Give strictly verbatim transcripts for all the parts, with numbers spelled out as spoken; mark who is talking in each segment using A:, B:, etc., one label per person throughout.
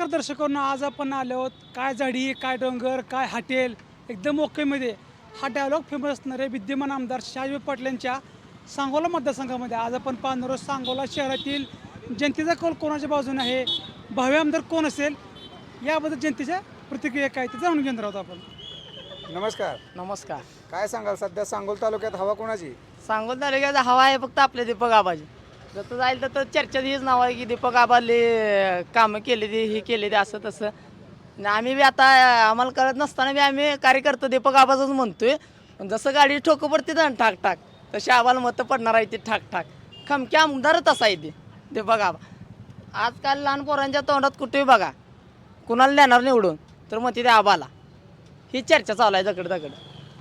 A: नमस्कार दर्शकांनो, आज आपण आलो आहोत काय झाडी काय डोंगर काय हॉटेल एकदम ओकेमध्ये हा डायलॉग फेमस असणारे विद्यमान आमदार शहाजी पाटील यांच्या सांगोला मतदारसंघामध्ये आज आपण पाहणार आहोत. सांगोला शहरातील जनतेचा कौल कोणाच्या बाजूने आहे, भावी आमदार कोण असेल याबद्दल जनतेच्या प्रतिक्रिया काय ते जाणून घेणार आहोत आपण.
B: नमस्कार.
C: नमस्कार.
B: काय सांगाल सध्या सांगोल तालुक्यात हवा कोणाची?
C: सांगोल तालुक्याचा हवा आहे फक्त आपले दीपक आबाजी. जसं जाईल तर चर्चेत हीच नाव आहे की दीपक आबाले कामं केली ती ही केली ती असं तसं. आणि आम्ही बी आता आम्हाला कळत नसताना बी आम्ही कार्यकर्तो दीपक आबाचंच म्हणतोय. पण जसं गाडी ठोकं पडते ना ठाक ठाक तशी आम्हाला मतं पडणार आहे ती ठाक ठाक. खमक्या आमदारच असा आहे ते दीपक आबा. आजकाल लहान पोरांच्या तोंडात कुठेही बघा कुणाला देणार निवडून तर मग तिथे आबाला ही चर्चा चालू आहे दगड दगड.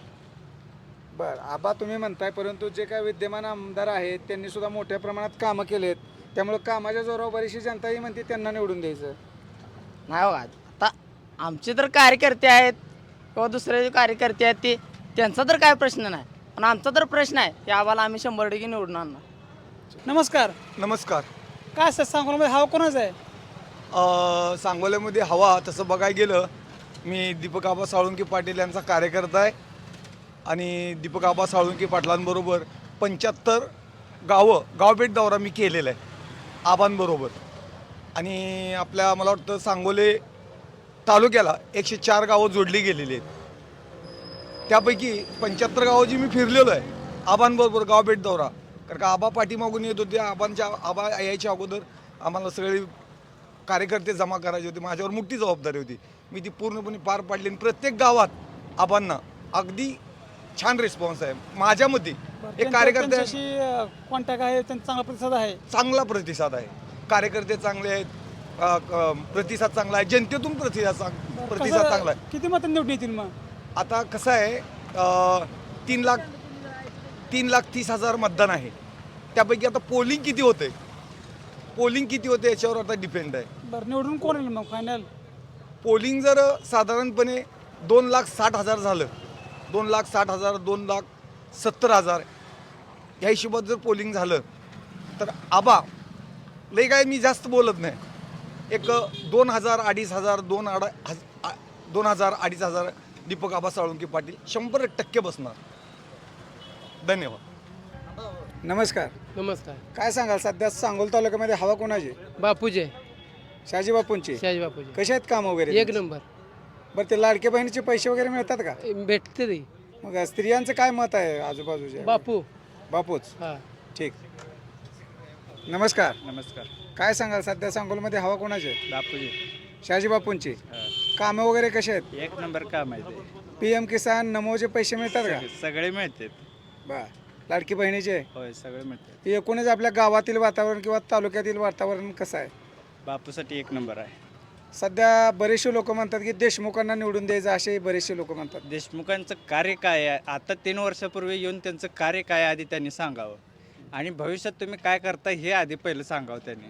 B: बर, आबा तुम्ही म्हणताय, परंतु जे काय विद्यमान आमदार आहेत त्यांनी सुद्धा मोठ्या प्रमाणात कामं केलेत, त्यामुळे कामाच्या जोरावर बरीचशी जनताही म्हणते त्यांना निवडून द्यायचं.
C: नाही बघा आता आमचे तर कार्यकर्ते आहेत किंवा दुसरे जे कार्यकर्ते आहेत ते त्यांचा तर काय प्रश्न नाही, पण आमचा तर प्रश्न आहे की आम्हाला आम्ही शंभर टक्के निवडून आणणार.
A: नमस्कार.
D: नमस्कार.
A: काय असं सांगोलामध्ये हवा कोणाचा आहे?
D: अ, सांगोल्यामध्ये हवा तसं बघायला गेलं, मी दीपक आबा साळुंके पाटील यांचा कार्यकर्ता आहे आणि दीपक आबा साळुंके पाटलांबरोबर पंच्याहत्तर गावं गावभेट दौरा मी केलेला आहे आबांबरोबर. आणि आपल्या मला वाटतं सांगोले तालुक्याला एकशे चार गावं जोडली गेलेली आहेत. त्यापैकी पंच्याहत्तर गावं जी मी फिरलेलो आहे आबांबरोबर गावभेट दौरा, कारण का आबा पाठीमागून येत होते. आबांच्या आबा यायच्या अगोदर आम्हाला सगळे कार्यकर्ते जमा करायचे होते, माझ्यावर मोठी जबाबदारी होती, मी ती पूर्णपणे पार पाडली. आणि प्रत्येक गावात आबांना अगदी छान रिस्पॉन्स आहे माझ्या मते. एक कार्यकर्ते
A: कॉन्टॅक्ट आहे, त्यांचा चांगला प्रतिसाद आहे.
D: चांगला प्रतिसाद आहे, कार्यकर्ते चांगले आहेत, अ, क- प्रतिसाद चांगला आहे, जनतेतून प्रतिसाद चांग- प्रतिसाद
A: कसं-
D: चांगला आहे.
A: किती मतं निवडून येतील मग?
D: आता कसं आहे, अ, तीन लाख तीन लाख तीस हजार मतदान आहे, त्यापैकी आता पोलिंग किती होते पोलिंग किती होते याच्यावर आता डिपेंड आहे.
A: बरं, निवडून कोण येईल मग फायनल?
D: पोलिंग जर साधारणपणे दोन लाख साठ हजार झालं, दोन लाख साठ हजार दोन लाख सत्तर हजार ह्या हिशोबात जर पोलिंग झालं तर आबा लई काय मी जास्त बोलत नाही, एक दोन हजार अडीच हजार दोन अडा हज आ- दोन हजार अडीच हजार दीपक आबा साळुंके पाटील शंभर टक्के बसणार. धन्यवाद.
B: नमस्कार.
E: नमस्कार.
B: काय सांगाल सध्या सांगोल तालुक्यामध्ये हवा कोणाची?
E: बापूजे
B: शहाजी बापूंची.
E: शहाजी बापूजे
B: कसे आहेत काम वगैरे?
E: एक नंबर.
B: बरं, ते लाडके बहिणीचे पैसे वगैरे मिळतात का?
E: भेटते ते
B: मग स्त्रियांचं काय मत आहे आजूबाजूचे?
E: बापू.
B: बापूच.
E: हा.
B: ठीक. नमस्कार.
F: नमस्कार.
B: काय सांगाल सध्या सांगोलमध्ये हवा कोणाची आहे?
F: बापूजी
B: शहाजी बापूंची. कामं वगैरे कसे आहेत?
F: एक नंबर काम आहे ते.
B: पी एम किसान नमोचे पैसे मिळतात का?
F: सगळे मिळतात.
B: बर, लाडकी बहिणीचे.
F: होय, सगळे मिळतात.
B: एकूणच आपल्या गावातील वातावरण किंवा तालुक्यातील वातावरण कसं आहे?
F: बापूसाठी एक नंबर आहे.
B: सध्या बरेचसे लोक म्हणतात की देशमुखांना निवडून द्यायचं, असे बरेचसे लोक म्हणतात.
F: देशमुखांचं कार्य काय आहे, आता तीन वर्षापूर्वी येऊन त्यांचं कार्य काय आहे आधी त्यांनी सांगावं, आणि भविष्यात तुम्ही काय करता हे आधी पहिलं सांगावं त्यांनी.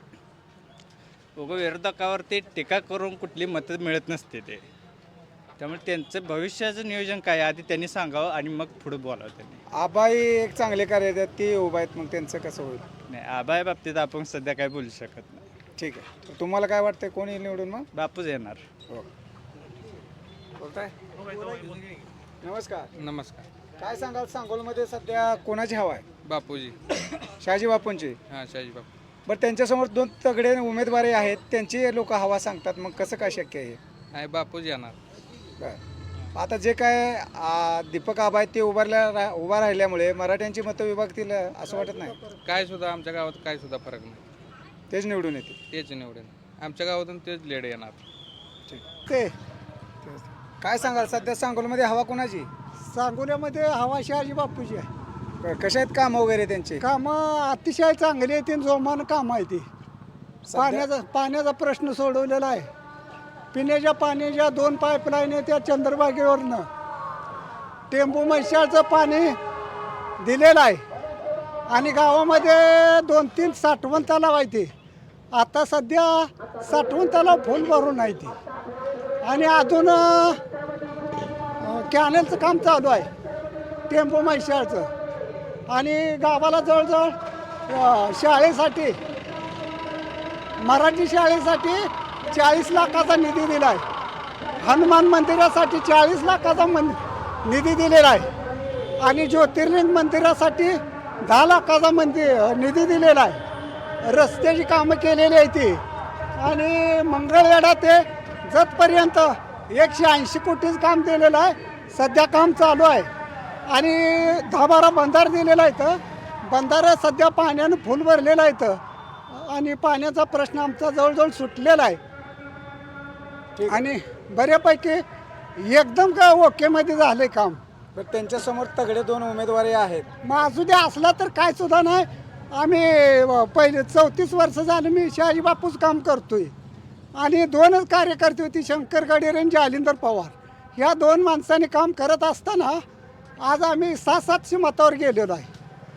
F: उगं विरोधकावरती टीका करून कुठली मतं मिळत नसते ते, त्यामुळे त्यांचं भविष्याचं नियोजन काय आहे आधी त्यांनी सांगावं आणि मग पुढे बोलावं त्यांनी.
B: आबाई एक चांगले कार्य आहेत, ते उभा आहेत, मग त्यांचं कसं होईल?
F: नाही, आबाया बाबतीत आपण सध्या काय बोलू शकत नाही.
B: ठीक आहे. तर तुम्हाला काय वाटतंय कोण येईल निवडून मग?
F: बापूच येणार.
B: हो. बोलताय. नमस्कार.
E: नमस्कार.
B: काय सांगाल सांगोलमध्ये सध्या कोणाची हवा आहे?
E: बापूजी.
B: शहाजी बापूंची.
E: हां, शहाजी बापू.
B: बरं, त्यांच्यासमोर दोन तगडे उमेदवारी आहेत, त्यांची लोक हवा सांगतात, मग कसं काय शक्य आहे?
E: आहे बापूजी येणार.
B: बरं, आता जे काय आ, दीपक आबा आहेत ते उभारल्या रा उभा राहिल्यामुळे मराठ्यांची मतं विभागतील असं वाटत नाही?
E: काय सुद्धा आमच्या गावात काय सुद्धा फरक नाही,
B: तेच निवडून येतील.
E: तेच निवडेल आमच्या गावातून, तेच लेड येणार.
B: ते काय सांगाल सध्या सांगोलमध्ये हवा कोणाची?
G: सांगोल्यामध्ये हवा शहाजी बापूची आहे.
B: बरं, कशा आहेत काम वगैरे त्यांचे?
G: कामं अतिशय चांगली आहे, तीन जोमानं काम आहे ती. पाण्याचा पाण्याचा प्रश्न सोडवलेला आहे. पिण्याच्या पाण्याच्या दोन पाईपलाईन आहे त्या चंद्रभागेवरनं टेंबू म्हैसाळचं पाणी दिलेलं आहे. आणि गावामध्ये दोन तीन साठवण तलाव आहे ते. आता सध्या साठवण तलाव फुल भरून आहे ती. आणि अजून कॅनेलचं काम चालू आहे टेंबू म्हैसाळचं. आणि गावाला जवळजवळ शाळेसाठी मराठी शाळेसाठी चाळीस लाखाचा निधी दिला आहे. हनुमान मंदिरासाठी चाळीस लाखाचा मन निधी दिलेला आहे आणि ज्योतिर्लिंग मंदिरासाठी दहा लाखाचा मंदिर निधी दिलेला आहे. रस्त्याची कामं केलेली आहे ती आणि मंगळवेढा ते जतपर्यंत एकशे ऐंशी कोटीचं काम दिलेलं आहे. सध्या काम चालू आहे आणि दहा बारा बंधार दिलेला आहे. तर बंधारा सध्या पाण्यानं फुल भरलेला आहे तर आणि पाण्याचा प्रश्न आमचा जवळजवळ सुटलेला आहे आणि बऱ्यापैकी एकदम काय ओकेमध्ये झालं काम.
B: तर त्यांच्यासमोर तगडे दोन उमेदवारी आहेत.
G: मग असू दे असला तर काय सुद्धा नाही. आम्ही अ, पहिले चौतीस वर्ष झालं मी शहाजी बापूच काम करतोय आणि दोनच कार्यकर्ते होती शंकर गडेरे आणि जालिंदर पवार. ह्या दोन माणसांनी काम करत असताना आज आम्ही सहा सातशे मतावर गेलेलो आहे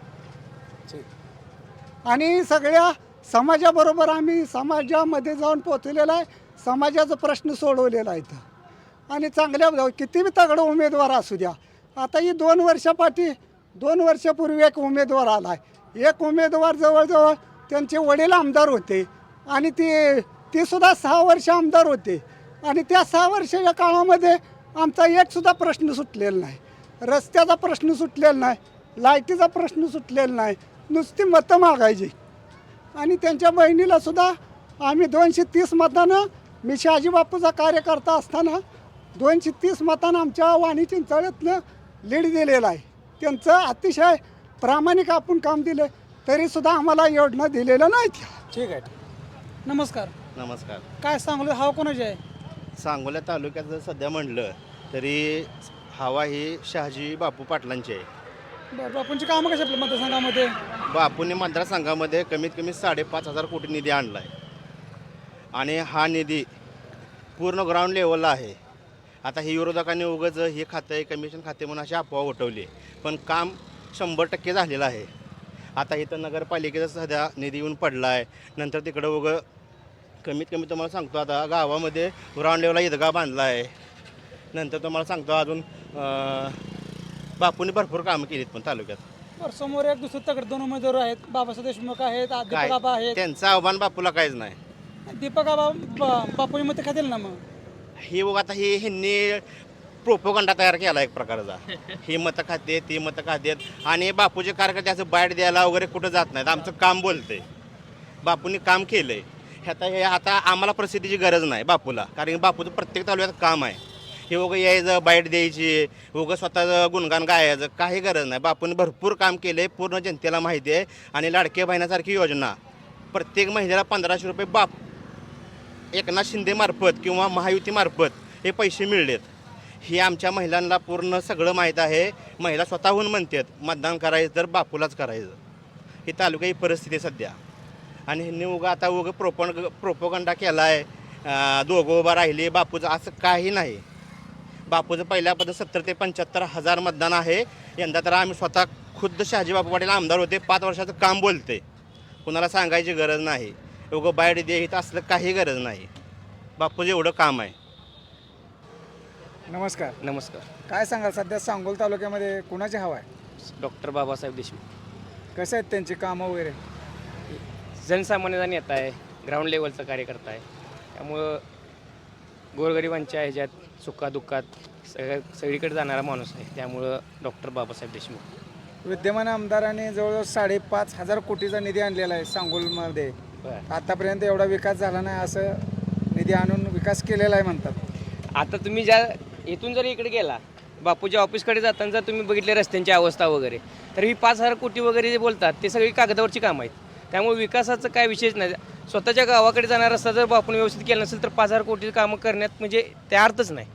G: आणि सगळ्या समाजाबरोबर आम्ही समाजामध्ये जाऊन पोचलेला आहे. समाजाचा प्रश्न सोडवलेला आहे इथं आणि चांगल्या किती बी तगडं उमेदवार असू द्या. आता ही दोन वर्षापाठी दोन वर्षापूर्वी एक उमेदवार आला आहे. एक उमेदवार जवळजवळ त्यांचे वडील आमदार होते आणि ते ते सुद्धा सहा वर्ष आमदार होते आणि त्या सहा वर्षाच्या काळामध्ये आमचा एकसुद्धा प्रश्न सुटलेला नाही. रस्त्याचा प्रश्न सुटलेला नाही, लाईटीचा प्रश्न सुटलेला नाही, नुसती मतं मागायची आणि त्यांच्या बहिणीला सुद्धा आम्ही दोनशे तीस मतानं मी शहाजी बापूचा कार्यकर्ता असताना दोनशे तीस मतानं आमच्या वाणी चिंचाळ्यातनं लीड दिलेला आहे. त्यांचं अतिशय प्रामाणिक आपण काम दिलं तरीसुद्धा आम्हाला योजना दिलेलं नाही.
B: ठीक आहे.
A: नमस्कार.
H: नमस्कार.
A: काय सांगू हवा कोणाची आहे?
H: सांगोला तालुक्यात जर सध्या म्हणलं तरी हवा ही शहाजी बापू पाटलांची आहे.
A: बरं बापूंची कामं कशी आपल्या मतदारसंघामध्ये?
H: बापूंनी मतदारसंघामध्ये कमीत कमी साडेपाच हजार कोटी निधी आणला आहे आणि हा निधी पूर्ण ग्राउंड लेवलला आहे. आता ही विरोधकांनी उगाच हे खातं आहे कमिशन खाते म्हणून अशी अफवा उठवली पण काम शंभर टक्के झालेलं आहे. आता इथं नगरपालिकेचा सध्या निधी येऊन पडला आहे. नंतर तिकडं उगं कमीत कमी तुम्हाला सांगतो आता गावामध्ये ग्राउंड लेवलला ईदगाह बांधला आहे. नंतर तुम्हाला सांगतो अजून बापूंनी भरपूर कामं केलीत पण तालुक्यात.
A: बरं समोर एक दुसरे तगडे दोन उमेदवार आहेत. बाबासाहेब देशमुख आहेत, दीपक
H: काय
A: आबा आहेत.
H: त्यांचं आव्हान बापूला काहीच नाही.
A: दीपक आबा ब- बापूंची मतं खातील ना मग?
H: हे बघ आता हे ह्यांनी प्रोपोगंडा तयार केला एक प्रकारचा. ही मतं खाते ती मतं खातेत आणि बापूचे कार्यकर्ते असं बाईट द्यायला वगैरे कुठं जात नाहीत. आमचं काम बोलते. बापूंनी काम केलं आहे. आता हे आता आम्हाला प्रसिद्धीची गरज नाही बापूला कारण बापूचं प्रत्येक तालुक्यात काम आहे. हे उगं यायचं बाईट द्यायची उगं स्वतःचं गुणगान गायचं काही गरज नाही. बापूंनी भरपूर काम केलं आहे पूर्ण जनतेला माहिती आहे आणि लाडके बहिणासारखी योजना प्रत्येक महिन्याला पंधराशे रुपये बाप एकनाथ शिंदेमार्फत किंवा महायुतीमार्फत हे पैसे मिळलेत. हे आमच्या महिलांना पूर्ण सगळं माहीत आहे. महिला स्वतःहून म्हणतात मतदान करायचं तर बापूलाच करायचं. ही तालुका ही परिस्थिती आहे सध्या आणि ह्यांनी उगा आता उगं प्रोपण प्रोपोगंडा केला आहे. दोघं उभं राहिले बापूचं असं काही नाही. बापूचं पहिल्यापासून सत्तर ते पंच्याहत्तर हजार मतदान आहे. यंदा तर आम्ही स्वतः खुद्द शहाजी बापू पाटील आमदार होते. पाच वर्षाचं काम बोलते. कुणाला सांगायची गरज नाही. उगं बाईट दे इथं असलं काही गरज नाही. बापूचं एवढं काम आहे.
B: नमस्कार.
I: नमस्कार.
B: काय सांगाल सध्या सांगोल तालुक्यामध्ये कुणाची हवा आहे?
I: डॉक्टर बाबासाहेब देशमुख.
B: कसं आहेत त्यांची कामं वगैरे?
I: जनसामान्याचा नेता आहे, ग्राउंड लेवलचा कार्यकर्ता आहे. त्यामुळं गोरगरिबांच्या ह्याच्यात सुखादुःखात सगळ्या सगळीकडे जाणारा माणूस आहे. त्यामुळं डॉक्टर बाबासाहेब देशमुख.
B: विद्यमान आमदारांनी जवळजवळ साडेपाच हजार कोटीचा निधी आणलेला आहे सांगोलमध्ये.
I: बरं.
B: आतापर्यंत एवढा विकास झाला नाही असं निधी आणून विकास केलेला आहे म्हणतात.
I: आता तुम्ही ज्या इथून जर इकडे गेला बापूच्या ऑफिसकडे जाताना जर तुम्ही बघितले रस्त्यांची अवस्था वगैरे तर ही पाच हजार कोटी वगैरे जे बोलतात ते सगळी कागदावरची कामं आहेत. त्यामुळे विकासाचं काय विशेष नाही. स्वतःच्या गावाकडे जाणारा रस्ता जर बापून व्यवस्थित केला नसेल तर पाच हजार कोटी कामं करण्यात म्हणजे त्या अर्थच नाही.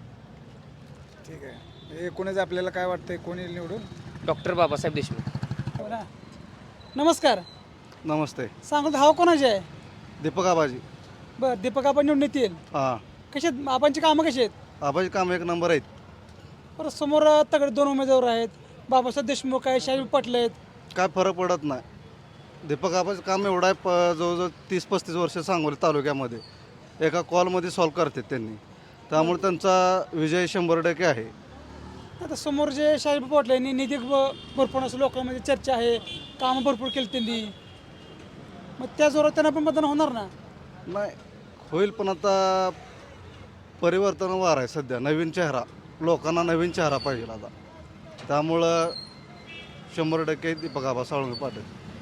B: ठीक आहे. एकूणच आपल्याला काय वाटतंय कोणी निवडून?
I: डॉक्टर बाबासाहेब देशमुख.
A: हो ना. नमस्कार.
J: नमस्ते.
A: सांगू हवा कोणाची आहे?
J: दीपक आबाजी.
A: बरं दीपक आबा निवडून येतील.
J: हां
A: कशी आहेत आबांची कामं कशी आहेत?
J: आबाजी काम एक नंबर आहेत.
A: बरं समोर तगडे दोन उमेदवार आहेत. बाबासाहेब देशमुख आहे, शहाजी पाटील आहेत.
J: काय फरक पडत नाही. दीपक आबाचं काम एवढं आहे प जवळजवळ तीस पस्तीस वर्ष सांगोली तालुक्यामध्ये एका कॉलमध्ये सॉल्व करतात त्यांनी. त्यामुळे त्यांचा विजय शंभर टक्के आहे.
A: आता समोर जे शहाजी पाटील यांनी निधी भ- भरपूर असं लोकांमध्ये चर्चा आहे. कामं भरपूर केली त्यांनी. मग त्या जोरात त्यांना पण मतदान होणार ना?
J: नाही होईल, पण आता परिवर्तन वार आहे सध्या. नवीन चेहरा, लोकांना नवीन चेहरा पाहिजे आता. त्यामुळं शंभर टक्के दीपक आबा साळुंके पाटील.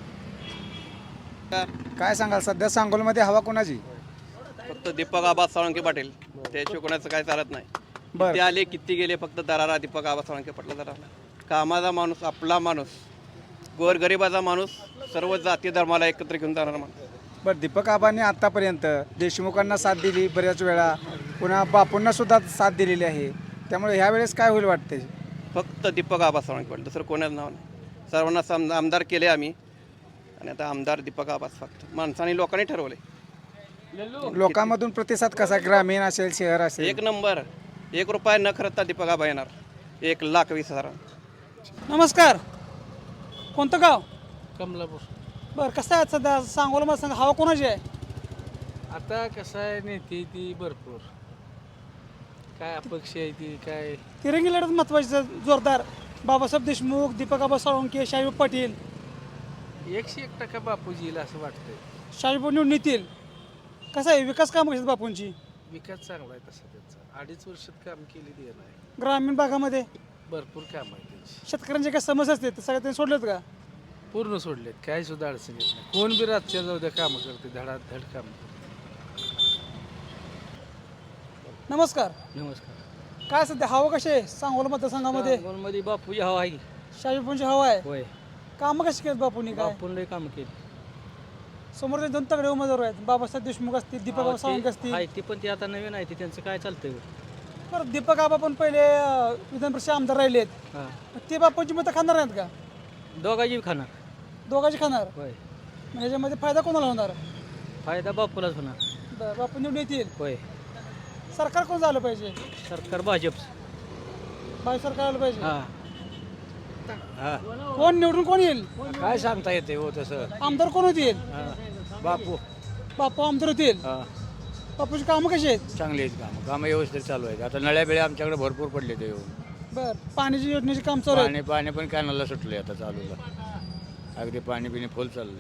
B: काय सांगाल सध्या सांगोलमध्ये हवा कोणाची?
K: फक्त दीपक आबा साळुंके पाटील, त्याशिवाय कोणाचं काय चालत नाही.
B: बरं.
K: ते आले किती गेले, फक्त दरारा दीपक आबा साळुंके पाटला दरारा. कामाचा माणूस, आपला माणूस, गोरगरिबाचा माणूस, सर्व जाती धर्माला एकत्र घेऊन जाणारा माणूस.
B: बरं, दीपक आबांनी आत्तापर्यंत देशमुखांना साथ दिली बऱ्याच वेळा, पुन्हा बापूंना सुद्धा साथ दिलेली आहे. त्यामुळे ह्या वेळेस काय होईल वाटते?
K: फक्त दीपक आबा साळुंके पाटील, दुसरं कोणाचं नाव नाही. सर्वांना सम आमदार केले आम्ही, आणि आता आमदार दीपक आबाच फक्त माणसाने लोकांनी ठरवले.
B: लोकांमधून प्रतिसाद कसा, ग्रामीण असेल शहर असेल?
K: एक नंबर, एक रुपया न खर्चता दीपक आबा येणार. एक लाख वीस हजार.
A: नमस्कार, कोणतं गाव?
E: कमलापूर.
A: बरं, कसं आहे सध्या सांगोला मला सांगा, हवा कोणाची आहे?
E: आता कसं आहे, नेते ती भरपूर, काय अपक्ष आहे ती, काय
A: तिरंगी लढत महत्वाची जोरदार. बाबासाहेब देशमुख, दीपक आबा साळुंके, शाहीब पाटील.
E: एकशे एक टक्का बापूजी येईल असं वाटतंय.
A: शाहीब निवडून येतील. कसं आहे, विकास कामं कशी आहेत बापूंची?
E: विकास चांगला आहे तसा त्यांचा. अडीच वर्षात काम केली ते नाही,
A: ग्रामीण भागामध्ये
E: भरपूर काम आहे त्यांची.
A: शेतकऱ्यांच्या काही समस्या असते ते सगळ्या त्यांनी सोडलेत का?
E: पूर्ण सोडलेत, काही सुद्धा अडचण येत नाही. कोण बी रातच्या जाऊ द्या कामं करते, धडाधड काम.
A: नमस्कार,
E: नमस्कार.
A: काय सध्या हवा कशी आहे सांगोला मतदारसंघामध्ये?
E: मध्ये बापूजी हवा आहे.
A: शाहीबांची हवा आहे.
E: होय,
A: कामं कशी केलीत बापूंनी? काय
E: बापून लय कामं केली.
A: समोरचे दोन तगडे उमेदवार आहेत, बाबासाहेब देशमुख असतील, दीपक आबा साळुंके असतील.
E: आहे ती पण ती आता नवीन आहे, ती त्यांचं काय चालतंय.
A: बरं, दीपक आबा पण पहिले अं, विधान परिषद आमदार राहिलेत.
E: हां,
A: ते बापूंची मतं खाणार नाहीत का?
E: दोघांची खाणार.
A: दोघांची खाणार.
E: होय,
A: मग ह्याच्यामध्ये फायदा कोणाला होणार?
E: फायदा बापूलाच होणार.
A: बरं, बापू निवडून येतील.
E: होय,
A: सरकार कोण झालं पाहिजे?
E: सरकार भाजप.
A: भाई सरकार आलं पाहिजे.
E: हां,
A: कोण निवडून कोण येईल?
E: काय सांगता येते हो तसं.
A: आमदार कोण होतील?
E: बापू
A: बापू आमदार होतील.
E: हां,
A: बापूची कामं कशी आहेत?
E: चांगली आहेत कामं. कामं व्यवस्थित चालू आहेत. आता नळ्या बिळ्या आमच्याकडे भरपूर पडले ते येऊन.
A: बरं, पाण्याची योजनेची काम चालू आहे.
E: पाणी पाणी पण कॅनलला सुटले आता चालूला. अगदी पाणी पिणी फुल चाललंय.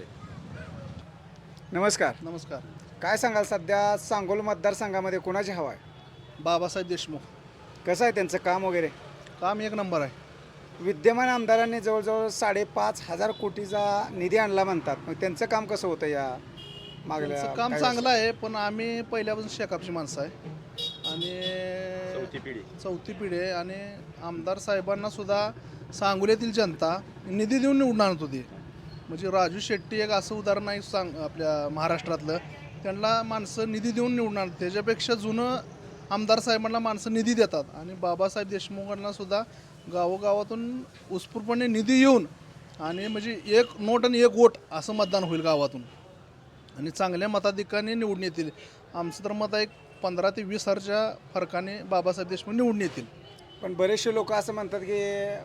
B: नमस्कार.
J: नमस्कार.
B: काय सांगाल सध्या सांगोल मतदारसंघामध्ये कोणाची हवा आहे?
J: बाबासाहेब देशमुख.
B: कसं आहे त्यांचं काम वगैरे?
J: काम एक नंबर आहे.
B: विद्यमान आमदारांनी जवळजवळ साडेपाच हजार कोटीचा निधी आणला म्हणतात. मग त्यांचं काम कसं होतं या मागल्या
J: त्यांचं काम
B: काही
J: चांगलं आहे, पण आम्ही पहिल्यापासून शेकापची माणसं आहे आणि चौथी पिढी चौथी पिढी आहे. आणि आमदार साहेबांना सुद्धा सांगोलीतील जनता निधी देऊन निवडून आणत होती. म्हणजे राजू शेट्टी एक असं उदाहरण आहे सांग आपल्या महाराष्ट्रातलं, त्यांना माणसं निधी देऊन निवडून आणतात. त्याच्यापेक्षा जुनं आमदार साहेबांना माणसं निधी देतात. आणि बाबासाहेब देशमुखांना सुद्धा गावोगावातून उत्स्फूर्तपणे निधी येऊन आणि म्हणजे एक नोट आणि एक वोट असं मतदान होईल गावातून आणि चांगल्या मताधिकाने निवडून येतील. आमचं तर मत आहे पंधरा ते वीस हजारच्या फरकाने बाबासाहेब देशमुख निवडून येतील.
B: पण बरेचसे लोक असं म्हणतात की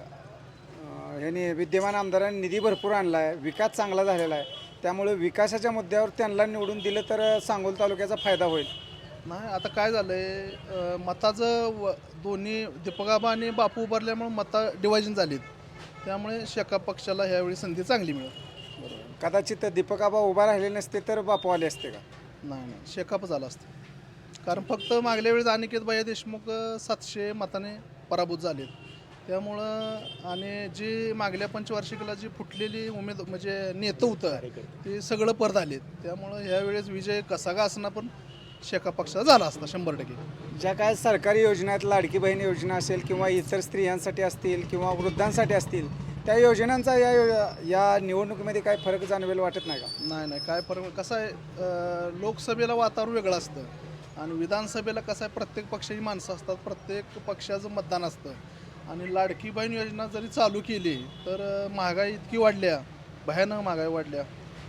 B: अं, ह्यांनी विद्यमान आमदारांनी निधी भरपूर आणला आहे, विकास चांगला झालेला आहे, त्यामुळे विकासाच्या मुद्द्यावर त्यांना निवडून दिलं तर सांगोल तालुक्याचा फायदा होईल.
J: नाही, आता काय झालं आहे, मताचं व दोन्ही दीपक आबा आणि बापू उभारल्यामुळे मतं डिवायजन झालीत. त्यामुळे शेका पक्षाला ह्यावेळी संधी चांगली मिळेल.
B: कदाचित दीपक आबा उभा राहिले नसते तर बापू आले असते का?
J: नाही नाही शेकाप झाला असतं. कारण फक्त मागल्या वेळेस अनिकेत भैया देशमुख सातशे मताने पराभूत झालेत. त्यामुळं आणि जी मागल्या पंचवार्षिकला जी फुटलेली उमेद म्हणजे नेतं होतं ते सगळं परत आलेत. त्यामुळं ह्यावेळेस विजय कसा का असणार पण शेका पक्षाचा झाला असता शंभर टक्के.
B: ज्या काय सरकारी योजना आहेत, लाडकी बहीण योजना असेल किंवा इतर स्त्रियांसाठी असतील किंवा वृद्धांसाठी असतील, त्या योजनांचा या या निवडणुकीमध्ये काय फरक जाणवेल वाटत नाही का?
J: नाही नाही काय फरक कसं आहे, अं, लोकसभेला वातावरण वेगळं असतं आणि विधानसभेला कसं आहे प्रत्येक पक्षाची माणसं असतात, प्रत्येक पक्षाचं मतदान असतं. आणि लाडकी बहीण योजना जरी चालू केली तर अं, महागाई इतकी वाढल्या, भयानक महागाई वाढल्या.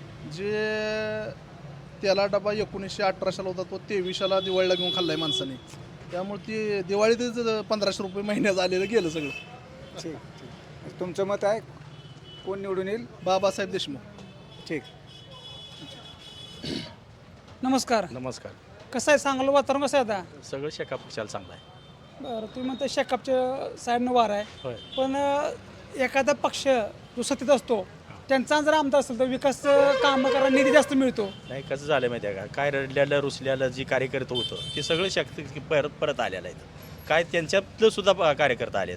J: जे त्याला डबा एकोणीसशे अठराशेला होता तो तेवीसशेला दिवाळीला घेऊन खाल्ला आहे माणसाने. त्यामुळे ती दिवाळीतच पंधराशे रुपये महिन्यात आलेलं गेलं सगळं.
B: ठीक ठीक. तुमचं मत आहे कोण निवडून येईल?
J: बाबासाहेब देशमुख.
B: ठीक.
A: नमस्कार.
L: नमस्कार.
A: कसं आहे सांगोला वातावरण कसं आहे आता?
L: सगळं शेका पक्षाला चांगलं आहे.
A: बरं, तुम्ही म्हणता शेकापच्या साईडनं वार आहे,
L: होय.
A: पण अं, एखादा पक्ष जो सत्तेत असतो त्यांचा जर आमदार असेल तर विकास कामं करायला निधी जास्त मिळतो.
L: नाही कसं झालं माहिती आहे का, काय रडल्यालं रुसल्यालं जी कार्यकर्ता होतं ते सगळं शक्ती परत परत आलेलं आहे. काय त्यांच्यातलं सुद्धा प- कार्यकर्ता आलेत,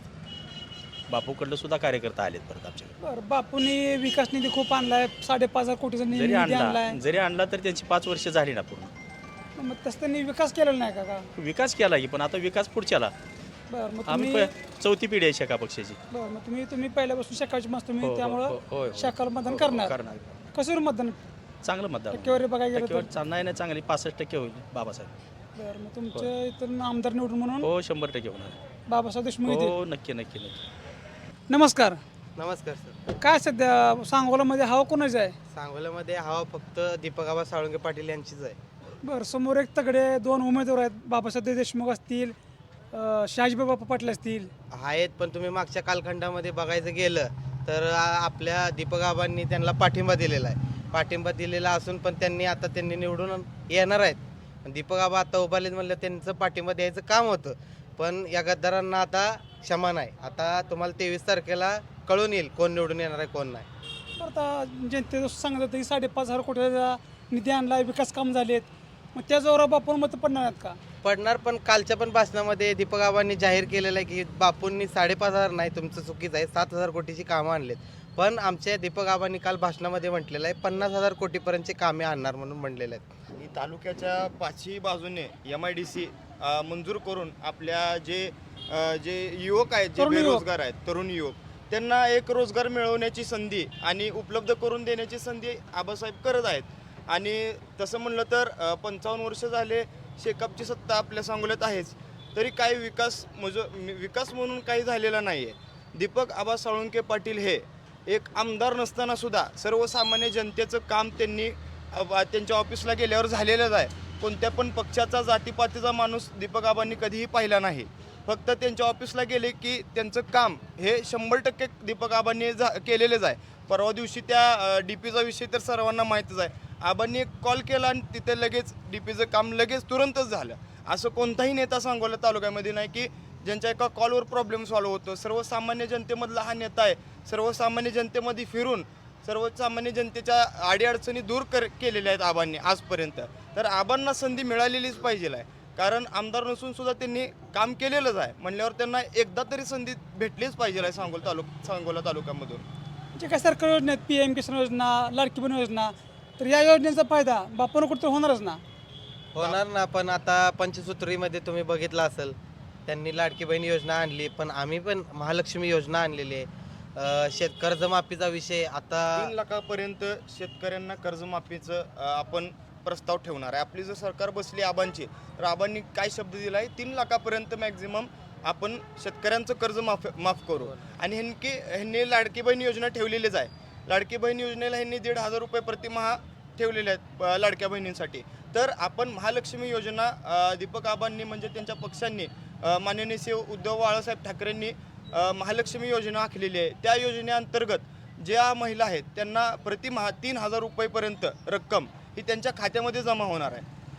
L: बापूकडलं सुद्धा कार्यकर्ता आलेत परत आमच्याकडे.
A: बरं, बापूंनी विकास निधी खूप आणलाय, साडेपाच हजार कोटीचा निधी
L: जरी
A: निधी
L: आणला
A: आणलाय.
L: जरी आणला तर त्यांची पाच वर्ष झाली ना पूर्ण.
A: मग तसं त्यांनी विकास केलेला नाही का का?
L: विकास केला की, पण आता विकास पुढच्याला.
A: बरं मग
L: आम्ही
A: तुम्ही
L: प- चौथी पिढी आहे शेका पक्षाची.
A: बरं मग तुम्ही तुम्ही पहिल्यापासून शाखाची मस्त तुम्ही
L: हो, हो, हो,
A: त्यामुळं
L: होय, होय.
A: शाखाला मतदान
L: हो,
A: करणार.
L: करणार.
A: कसं मतदान
L: चांगलं मतदान
A: टक्केवारी बघायला गेलं
L: टक्केवारी
A: तर?
L: चा- नाही नाही चांगली पासष्ट टक्के होईल बाबासाहेब.
A: बरं मग तुमच्या इथून आमदार निवडून म्हणून
L: हो शंभर टक्के होणार.
A: बाबासाहेब देशमुख येतील.
L: हो नक्की नक्की नक्की.
A: नमस्कार.
M: नमस्कार सर.
A: काय सध्या सांगोलामध्ये हवा कोणाची आहे?
M: सांगोल्यामध्ये हवा फक्त दीपक आबा साळुंके पाटील यांचीच आहे.
A: बरं समोर एक तगडे दोन उमेदवार आहेत, बाबासाहेब देशमुख असतील, अं, शहाजीबाबा पाटील असतील.
M: आहेत, पण तुम्ही मागच्या कालखंडामध्ये बघायचं गेलं तर आ- आपल्या दीपक आबांनी त्यांना पाठिंबा दिलेला आहे. पाठिंबा दिलेला असून पण त्यांनी आता त्यांनी निवडून येणार आहेत. पण दीपक आबा आता उभारलेत म्हणलं त्यांचं पाठिंबा द्यायचं काम होतं, पण या गद्दारांना आता क्षमा नाही. आता तुम्हाला तेवीस तारखेला कळून येईल कोण निवडून येणार आहे कोण नाही.
A: बरं आता जनते सांगत होतं की साडेपाच हजार कोटीचा निधी आणला, विकास काम झालेत, मग त्या जोरावर बापून मतं पडणार आहेत का?
M: पडणार, पण कालच्या पण भाषणामध्ये दीपक आबांनी जाहीर केलेलं आहे की बापूंनी साडेपाच हजार नाही, तुमचं चुकीचं आहे, सात हजार कोटीची कामं आणलेत. पण आमच्या दीपक आबांनी काल भाषणामध्ये म्हटलेलं आहे पन्नास हजार कोटीपर्यंतची कामे आणणार म्हणून म्हणलेलं आहेत.
H: आणि तालुक्याच्या पाचही बाजूने एम आय डी सी मंजूर करून आपल्या जे अ, जे युवक आहेत, जे
A: तरुण युवक.
H: बेरोजगार आहेत, तरुण युवक, त्यांना एक रोजगार मिळवण्याची संधी आणि उपलब्ध करून देण्याची संधी आबासाहेब करत आहेत. आणि तसं म्हणलं तर अ, पंचावन्न वर्ष झाले शेकापची सत्ता आपल्या सांगोल्यात आहेच, तरी काही विकास मज विकास म्हणून काही झालेला नाही आहे. दीपक आबा साळुंके पाटील हे एक आमदार नसताना सुद्धा सर्वसामान्य जनतेचं काम त्यांनी अ, त्यांच्या ऑफिसला गेल्यावर झालेलंच आहे. कोणत्या पण पक्षाचा जातीपातीचा माणूस दीपक आबांनी कधीही पाहिला नाही. फक्त त्यांच्या ऑफिसला गेले की त्यांचं काम हे शंभर टक्के दीपक आबांनी झा केलेलेच आहे. परवा दिवशी त्या डी पीचा विषय तर सर्वांना माहीतच आहे. आबांनी एक कॉल केला आणि तिथे लगेच डी पीचं काम लगेच तुरंतच झालं. असं कोणताही नेता सांगोला तालुक्यामध्ये नाही की ज्यांच्या एका कॉलवर प्रॉब्लेम सॉल्व्ह होतो. सर्वसामान्य जनतेमधला हा नेता आहे. सर्वसामान्य जनतेमध्ये फिरून सर्वसामान्य जनतेच्या अडीअडचणी दूर कर केलेल्या आहेत आबांनी आजपर्यंत. तर आबांना संधी मिळालेलीच पाहिजे आहे, कारण आमदार नसून सुद्धा त्यांनी काम केलेलंच आहे म्हणल्यावर त्यांना एकदा तरी संधी भेटलीच पाहिजे आहे सांगोला तालुक सांगोला तालुक्यामधून.
A: जे काही सरकारी योजना आहेत, पी एम किसान योजना, लाडकी बहीण योजना, तर या योजनेचा फायदा बापून कुठं होणारच ना.
M: होणार ना, पण आता पंचसूत्रीमध्ये तुम्ही बघितलं असेल त्यांनी लाडकी बहीण योजना आणली, पण आम्ही पण महालक्ष्मी योजना आणलेली आहे. अ, शेत कर्जमाफीचा विषय आता
H: तीन लाखापर्यंत शेतकऱ्यांना कर्जमाफीचं अ, आपण प्रस्ताव ठेवणार आहे. आपली जर सरकार बसली आबांची, तर आबांनी काय शब्द दिला आहे, तीन लाखापर्यंत मॅक्झिमम आपण शेतकऱ्यांचं कर्ज माफ माफ करू. आणि ह्यांनी ह्यांनी लाडकी बहीण योजना ठेवलेलीच आहे. लाडकी बहीण योजनेला ह्यांनी दीड हजार रुपये प्रतिमाह ठेवलेले आहेत अ, लाडक्या बहिणींसाठी. तर आपण महालक्ष्मी योजना अ, दीपक आबांनी म्हणजे त्यांच्या पक्षांनी अ, माननीय श्री उद्धव बाळासाहेब ठाकरेंनी अ, महालक्ष्मी योजना आखलेली आहे. त्या योजनेअंतर्गत ज्या महिला आहेत त्यांना प्रतिमाह तीन हजार रुपयेपर्यंत रक्कम ही त्यांच्या खात्यामध्ये जमा होणार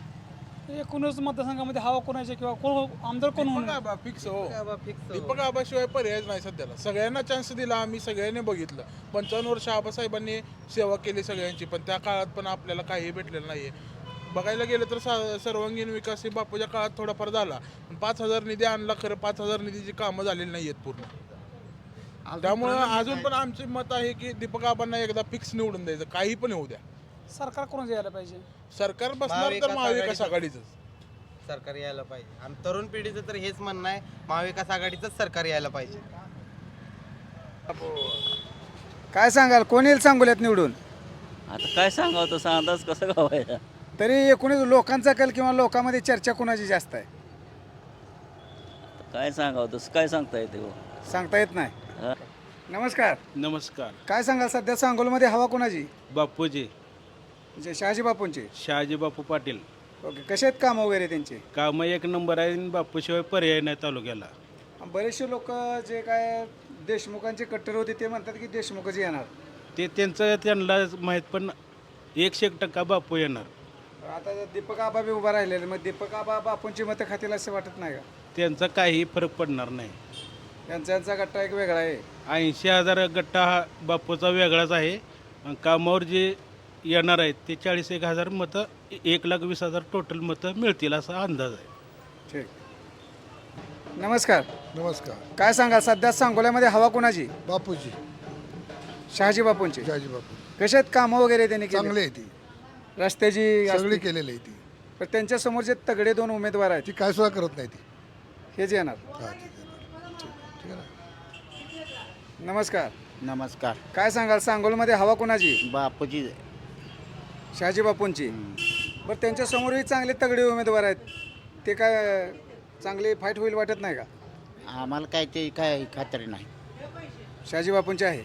H: आहे.
A: एकूणच मतदारसंघामध्ये हवा कोणाची किंवा कोण आमदार कोण होणार?
J: फिक्स हो. दीपक आबाशिवाय पर्यायच नाही सध्याला. सगळ्यांना चान्स दिला आम्ही, सगळ्यांनी बघितलं. पंचावन्न वर्ष आबासाहेबांनी सेवा केली सगळ्यांची, पण त्या काळात पण आपल्याला काही भेटलेलं नाहीये. बघायला गेलं तर सा सर्वांगीण विकास हे बापूच्या काळात थोडाफार झाला, पण पाच हजार निधी आणला, खरं पाच हजार निधीची कामं झालेली नाही आहेत पूर्ण. त्यामुळं अजून पण आमचे मत आहे की दीपक आबांना एकदा फिक्स निवडून द्यायचं, काही पण होऊ द्या.
A: सरकार कोणाचं यायला पाहिजे?
J: सरकार बसणार तर महाविकास आघाडीचं
M: सरकार यायला पाहिजे. आम तरुण पिढीचं तर हेच म्हणणं आहे, महाविकास आघाडीचंच सरकार यायला पाहिजे.
B: काय सांगाल, कोण येईल सांगोल्यात निवडून?
N: आता काय सांगावं तसं अंदाज कसं गावायचा.
B: तरी एकूणच लोकांचा कल किंवा लोकांमध्ये चर्चा कोणाची जास्त आहे
N: काय सांगावं तसं काय सांगता येते हो.
B: सांगता येत नाही.
N: हा.
B: नमस्कार.
E: नमस्कार.
B: काय सांगाल, सध्या सांगोलमध्ये हवा कोणाची?
E: बापूजी
B: म्हणजे शहाजी बापूंची.
E: शहाजी बापू पाटील
B: ओके, कसे आहेत काम वगैरे त्यांचे?
E: कामं एक नंबर आहे आणि बापूशिवाय पर्याय नाही तालुक्याला.
B: बरेचसे लोक जे काय देशमुखांचे कट्टर होते ते म्हणतात की देशमुखच येणार.
E: ते त्यांचं त्यांना माहीत, पण एकशे एक टक्का बापू येणार.
B: आता दीपक आबा बी उभा राहिलेले, मग दीपक आबा बापूंची मतं खातील असं वाटत नाही का?
E: त्यांचा काही फरक पडणार नाही.
B: यांचा यांचा गट्टा एक वेगळा आहे.
E: ऐंशी हजार गट्टा हा बापूचा वेगळाच आहे
O: आणि कामावर जे येणार आहेत ते चाळीस एक हजार मतं एक लाख वीस हजार टोटल मतं मिळतील असा अंदाज आहे.
B: ठीक. नमस्कार.
J: नमस्कार.
B: काय सांगाल सध्या सांगोल्यामध्ये हवा कोणाची?
J: बापूजी
B: शहाजी बापूंची.
J: शहाजी बापू
B: कसे आहेत कामं वगैरे त्यांनी केली?
J: चांगले आहे ती
B: रस्त्याची
J: सगळी
B: असतील.
J: केलेली आहे ती
B: पण त्यांच्या समोर जे तगडे दोन उमेदवार आहेत
J: ती काय सुद्धा करत नाही ती
B: हेच येणार.
J: हा ठीक आहे ठीक- ठीक आहे ना.
B: नमस्कार.
M: नमस्कार.
B: काय सांगाल सांगोलमध्ये हवा कोणाची?
M: बापूजी
B: शहाजी बापूंची. बरं त्यांच्या समोरही चांगले तगडे उमेदवार आहेत ते काय चांगली फाईट होईल वाटत नाही का?
M: आम्हाला काय ते काय खात्री नाही.
B: शहाजी बापूंचे आहे.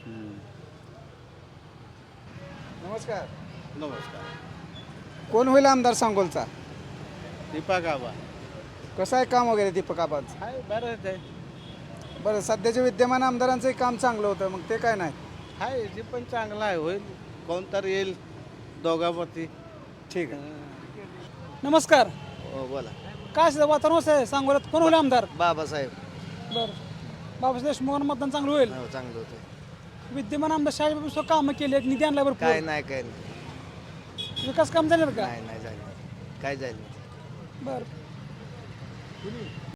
B: नमस्कार.
M: नमस्कार.
B: कोण होईल आमदार सांगोलचा?
M: दीपक आबा
B: कसं आहे काम वगैरे दीपक आबांचं?
M: हाय बरंच आहे.
B: बरं सध्याच्या विद्यमान आमदारांचंही काम चांगलं होतं मग ते काय नाही.
M: हाय ते पण चांगला आहे होईल कोणतर येईल दोघांपती.
B: ठीक आहे.
A: नमस्कार.
M: हो बोला.
A: काय सध्या वातावरण कसं आहे सांगोल्यात कोण होईल आमदार?
M: बाबासाहेब
A: बरं बाबासाहेब देशमुखांना मतदान चांगलं होईल.
M: हो चांगलं होतं.
A: विद्यमान आमदार शहाजी बापू कामं केली आहेत निधी आणला
M: काय
A: बरं
M: नाही काय नाही
A: विकास काम झाले का?
M: नाही नाही झालं काय झालं
A: बरं